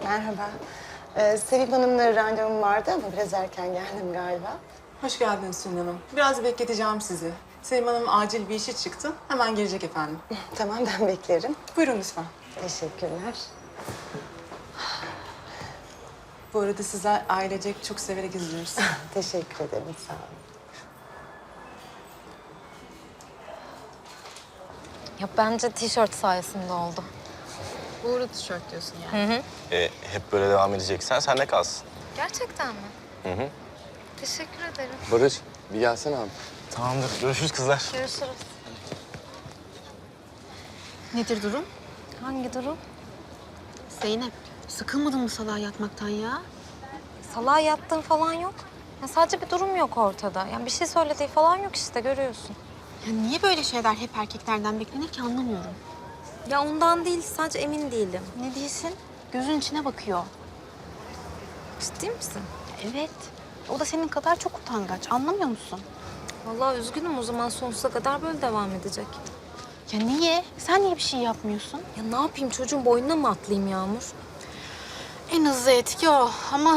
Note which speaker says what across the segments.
Speaker 1: Merhaba. Sevim Hanım'la randevum vardı ama biraz erken geldim galiba.
Speaker 2: Hoş geldiniz Sülün Hanım. Biraz bekleteceğim sizi. Sevim Hanım acil bir işi çıktı. Hemen gelecek efendim.
Speaker 1: Tamam, ben beklerim.
Speaker 2: Buyurun lütfen.
Speaker 1: Teşekkürler.
Speaker 2: Bu arada sizler ailecek çok severek izliyoruz.
Speaker 1: Teşekkür ederim, sağ olun.
Speaker 3: Ya bence tişört sayesinde oldu.
Speaker 4: Uğurlu tişört diyorsun yani.
Speaker 5: Hep böyle devam edeceksen sen de kalsın.
Speaker 3: Gerçekten mi? Teşekkür ederim.
Speaker 6: Barış, bir gelsene abi.
Speaker 5: Tamamdır. Görüşürüz kızlar.
Speaker 3: Görüşürüz.
Speaker 4: Nedir durum?
Speaker 3: Hangi durum?
Speaker 4: Zeynep, sıkılmadın mı salağa yatmaktan ya?
Speaker 3: Salağa yattığın falan yok. Ya sadece bir durum yok ortada. Yani bir şey söylediği falan yok işte, görüyorsun.
Speaker 4: Ya niye böyle şeyler hep erkeklerden beklenir ki anlamıyorum.
Speaker 3: Ya ondan değil, sadece emin değilim.
Speaker 4: Ne değilsin? Gözün içine bakıyor.
Speaker 3: Ciddi misin?
Speaker 4: Evet. O da senin kadar çok utangaç. Anlamıyor musun?
Speaker 3: Vallahi üzgünüm, o zaman sonsuza kadar böyle devam edecek.
Speaker 4: Ya niye? Sen niye bir şey yapmıyorsun?
Speaker 3: Ya ne yapayım, çocuğun boynuna mı atlayayım Yağmur?
Speaker 4: En hızlı etki o ama...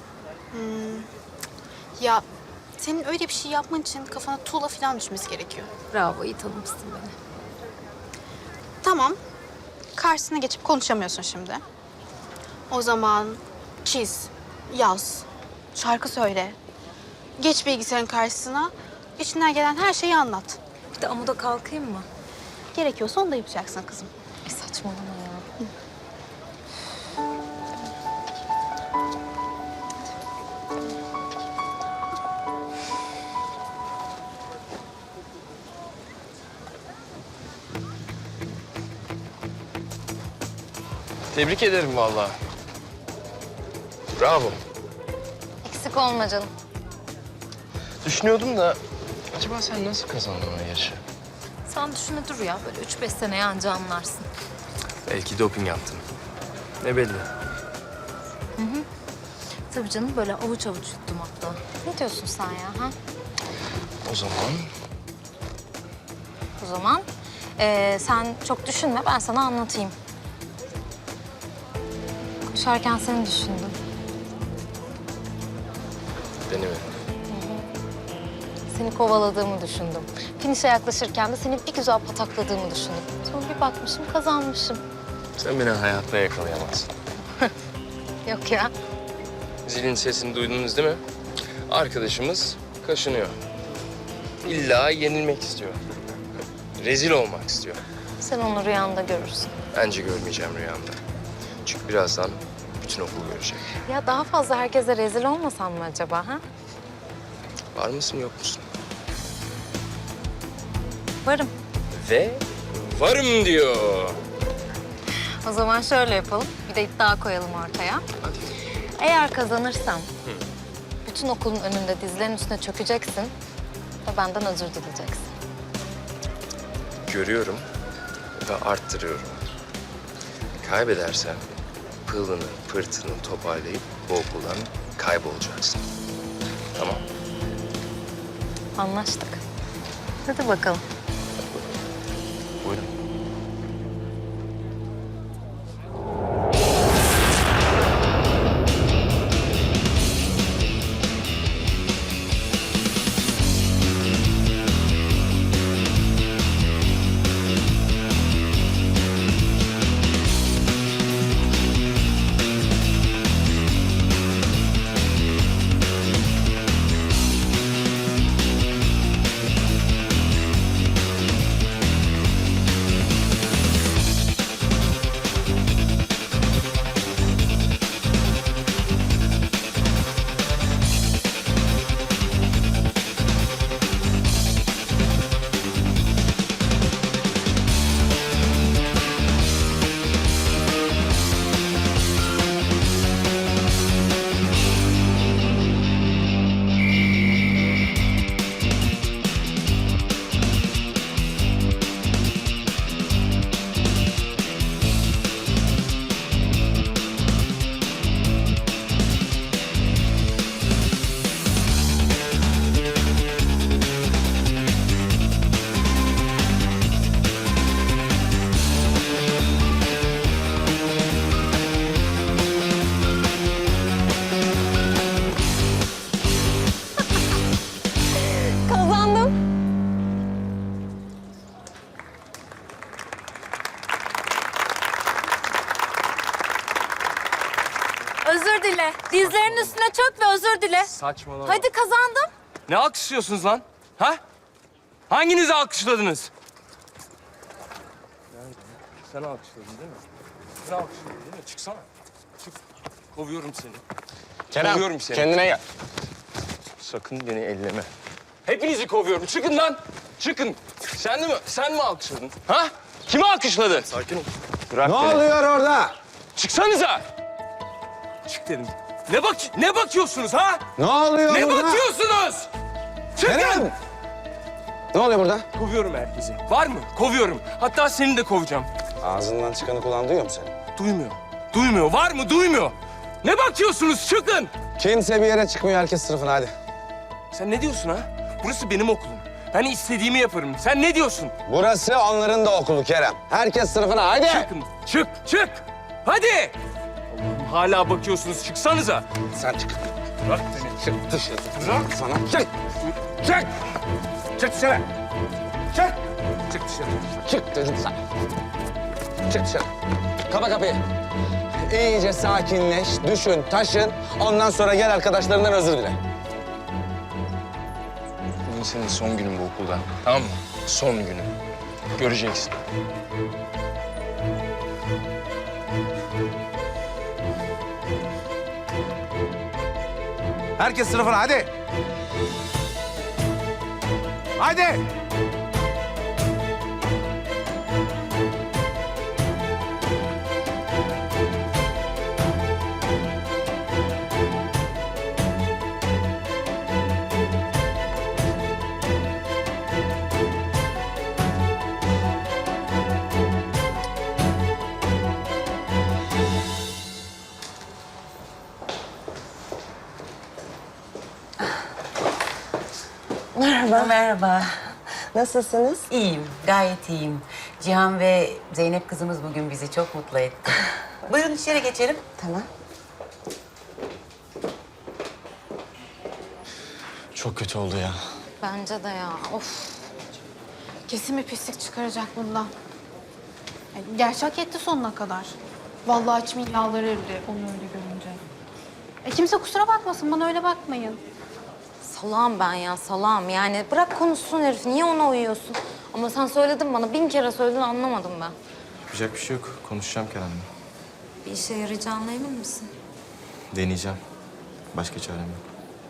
Speaker 4: ya senin öyle bir şey yapman için kafana tuğla falan düşmesi gerekiyor.
Speaker 3: Bravo, iyi tanımışsın beni.
Speaker 4: Tamam. Karşısına geçip konuşamıyorsun şimdi. O zaman çiz, yaz, şarkı söyle. Geç bilgisayarın karşısına, içinden gelen her şeyi anlat.
Speaker 3: Bir de amuda kalkayım mı?
Speaker 4: Gerekiyorsa onu da yapacaksın kızım.
Speaker 3: Saçmalama ya.
Speaker 6: Tebrik ederim vallahi. Bravo.
Speaker 3: Eksik olma canım.
Speaker 6: Düşünüyordum da acaba sen nasıl kazandın o yarışı?
Speaker 3: Sen düşüne dur ya, böyle 3-5 seneye anca anlarsın.
Speaker 6: Belki doping yaptın. Ne belli.
Speaker 3: Tabii canım, böyle avuç avuç yuttum hatta. Ne diyorsun sen ya, ha?
Speaker 6: O zaman
Speaker 3: O zaman sen çok düşünme, ben sana anlatayım. Koşarken seni düşündüm.
Speaker 6: beni mi?
Speaker 3: Seni kovaladığımı düşündüm. Finişe yaklaşırken de seni bir güzel patakladığımı düşündüm. Sonra bir bakmışım, kazanmışım.
Speaker 6: Sen beni hayatta yakalayamazsın.
Speaker 3: Yok ya.
Speaker 6: Zilin sesini duydunuz değil mi? Arkadaşımız kaşınıyor. İlla yenilmek istiyor. Rezil olmak istiyor.
Speaker 3: Sen onu rüyanda görürsün.
Speaker 6: Bence görmeyeceğim rüyamda. Çünkü birazdan bütün okul görecek.
Speaker 3: Ya daha fazla herkese rezil olmasan mı acaba, ha?
Speaker 6: Var mısın yok musun?
Speaker 3: Varım.
Speaker 6: Ve varım diyor.
Speaker 3: O zaman şöyle yapalım, bir de iddia koyalım ortaya.
Speaker 6: Hadi.
Speaker 3: Eğer kazanırsam bütün okulun önünde dizlerinin üstüne çökeceksin ve benden özür dileyeceksin.
Speaker 6: Görüyorum ve arttırıyorum. Kaybedersen pılını pırtını toparlayıp bu okuldan kaybolacaksın. Tamam.
Speaker 3: Anlaştık. Hadi bakalım.
Speaker 6: Buyurun.
Speaker 3: özür dile. Dizlerinin üstüne çök ve özür dile.
Speaker 7: Saçmalama.
Speaker 3: Hadi kazandım.
Speaker 7: Ne alkışlıyorsunuz lan? Ha? Hanginizi alkışladınız? Sen alkışladın değil mi? Sen alkışladın değil mi? Çıksana. Çık. Kovuyorum seni.
Speaker 5: Kerem,
Speaker 7: Kovuyorum seni.
Speaker 5: kendine gel.
Speaker 7: Sakın beni elleme. Hepinizi kovuyorum. Çıkın lan. Çıkın. Sen mi alkışladın? Ha? Kimi alkışladı?
Speaker 5: Sakin ol.
Speaker 7: Bırak
Speaker 5: Ne
Speaker 7: beni.
Speaker 5: oluyor orada?
Speaker 7: Çıksanıza. Çık dedim. Ne bakıyorsunuz ha?
Speaker 5: Ne oluyor
Speaker 7: Ne
Speaker 5: burada?
Speaker 7: bakıyorsunuz? Çıkın.
Speaker 5: Kerem! Ne oluyor burada?
Speaker 7: Kovuyorum herkesi. Var mı? Kovuyorum. Hatta seni de kovacağım.
Speaker 5: Ağzından çıkanı kulağın duyuyor mu seni?
Speaker 7: Duymuyor. Duymuyor. Var mı? Duymuyor. Ne bakıyorsunuz? Çıkın.
Speaker 5: Kimse bir yere çıkmıyor. Herkes sınıfına hadi.
Speaker 7: Sen ne diyorsun ha? Burası benim okulum. Ben istediğimi yaparım. Sen ne diyorsun?
Speaker 5: Burası onların da okulu Kerem. Herkes sınıfına hadi.
Speaker 7: Çıkın. Çık. Hadi. Allah'ım hala bakıyorsunuz. Çıksanıza.
Speaker 5: Sen çık.
Speaker 7: Bırak beni.
Speaker 5: Çık dışarı.
Speaker 7: Bırak.
Speaker 5: Sana çık.
Speaker 7: Çık. Çık dışarı. Çık. Çık dışarı.
Speaker 5: Çık dedim sana. Çık dışarı. Kapa kapıyı. İyice sakinleş, düşün, taşın. Ondan sonra gel arkadaşlarından özür dile.
Speaker 6: Bugün senin son günün bu okulda. Tamam mı? Son günün. Göreceksin.
Speaker 5: Herkes sınıfına hadi. Hadi.
Speaker 1: Merhaba.
Speaker 8: Merhaba.
Speaker 1: Nasılsınız?
Speaker 8: İyiyim, gayet iyiyim. Cihan ve Zeynep kızımız bugün bizi çok mutlu etti. Buyurun içeri geçelim.
Speaker 1: Tamam.
Speaker 5: Çok kötü oldu ya.
Speaker 3: Bence de ya. Of.
Speaker 4: Kesin bir pislik çıkaracak bundan. Gerçi hak etti sonuna kadar. Vallahi içimin yağları eridi onu öyle görünce. Kimse kusura bakmasın, bana öyle bakmayın.
Speaker 3: Salağım ben ya, salağım. Yani bırak konuşsun herif. Niye ona uyuyorsun? Ama sen söyledin bana. 1000 kere söyledin, anlamadım ben.
Speaker 9: Yapacak bir şey yok. Konuşacağım Kerem'le.
Speaker 3: Bir işe yarayacağına emin misin?
Speaker 9: Deneyeceğim. Başka çarem yok.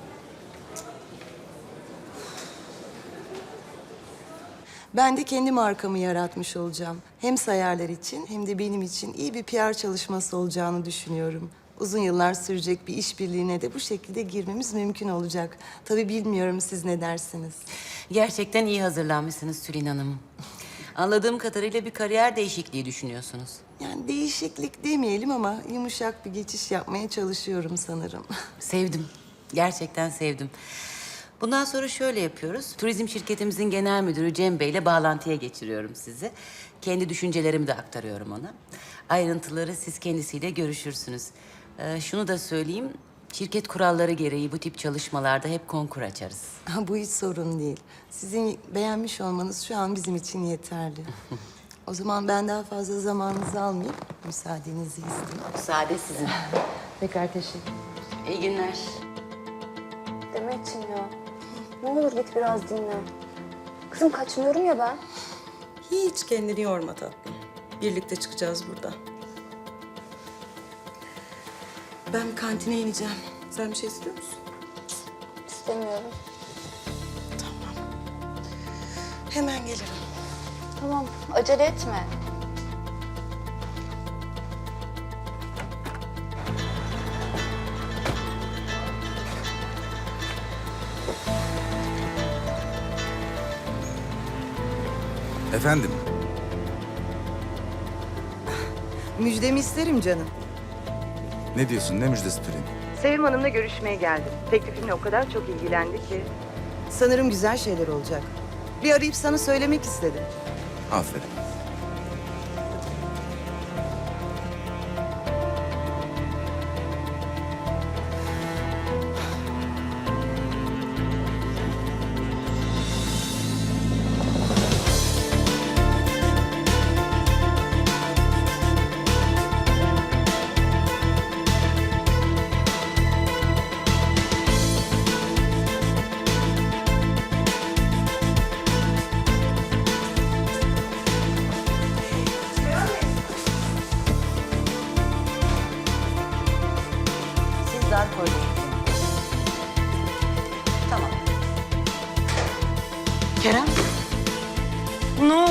Speaker 10: Ben de kendi markamı yaratmış olacağım. Hem sayarlar için hem de benim için iyi bir PR çalışması olacağını düşünüyorum. Uzun yıllar sürecek bir işbirliğine de bu şekilde girmemiz mümkün olacak. Tabii bilmiyorum siz ne dersiniz?
Speaker 8: Gerçekten iyi hazırlanmışsınız Tülin Hanım. Anladığım kadarıyla bir kariyer değişikliği düşünüyorsunuz.
Speaker 10: Yani değişiklik demeyelim ama yumuşak bir geçiş yapmaya çalışıyorum sanırım.
Speaker 8: Sevdim. Gerçekten sevdim. Bundan sonra şöyle yapıyoruz. Turizm şirketimizin genel müdürü Cem Bey'le bağlantıya geçiriyorum sizi. Kendi düşüncelerimi de aktarıyorum ona. Ayrıntıları siz kendisiyle görüşürsünüz. Şunu da söyleyeyim. Şirket kuralları gereği bu tip çalışmalarda hep konkur açarız.
Speaker 10: Bu hiç sorun değil. Sizin beğenmiş olmanız şu an bizim için yeterli. O zaman ben daha fazla zamanınızı almayayım. Müsaadenizi isteyeyim.
Speaker 8: Müsaade sizin.
Speaker 10: Tekrar teşekkür ederim.
Speaker 8: İyi günler.
Speaker 1: Demetciğim ya. Ne olur git biraz dinle. Kızım kaçmıyorum ya ben.
Speaker 10: Hiç kendini yorma tatlım. Birlikte çıkacağız buradan. Ben kantine ineceğim. Sen bir şey istiyor musun?
Speaker 1: İstemiyorum.
Speaker 10: Hemen gelirim.
Speaker 1: Tamam, acele etme.
Speaker 11: Efendim?
Speaker 10: Müjdemi isterim canım.
Speaker 11: Ne diyorsun? Ne müjdesi Tülin?
Speaker 10: Sevim Hanım'la görüşmeye geldim. Teklifimle o kadar çok ilgilendi ki. Sanırım güzel şeyler olacak. Bir arayıp sana söylemek istedim.
Speaker 11: Aferin.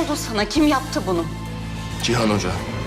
Speaker 8: oldu sana? Kim yaptı bunu?
Speaker 6: Cihan Hoca.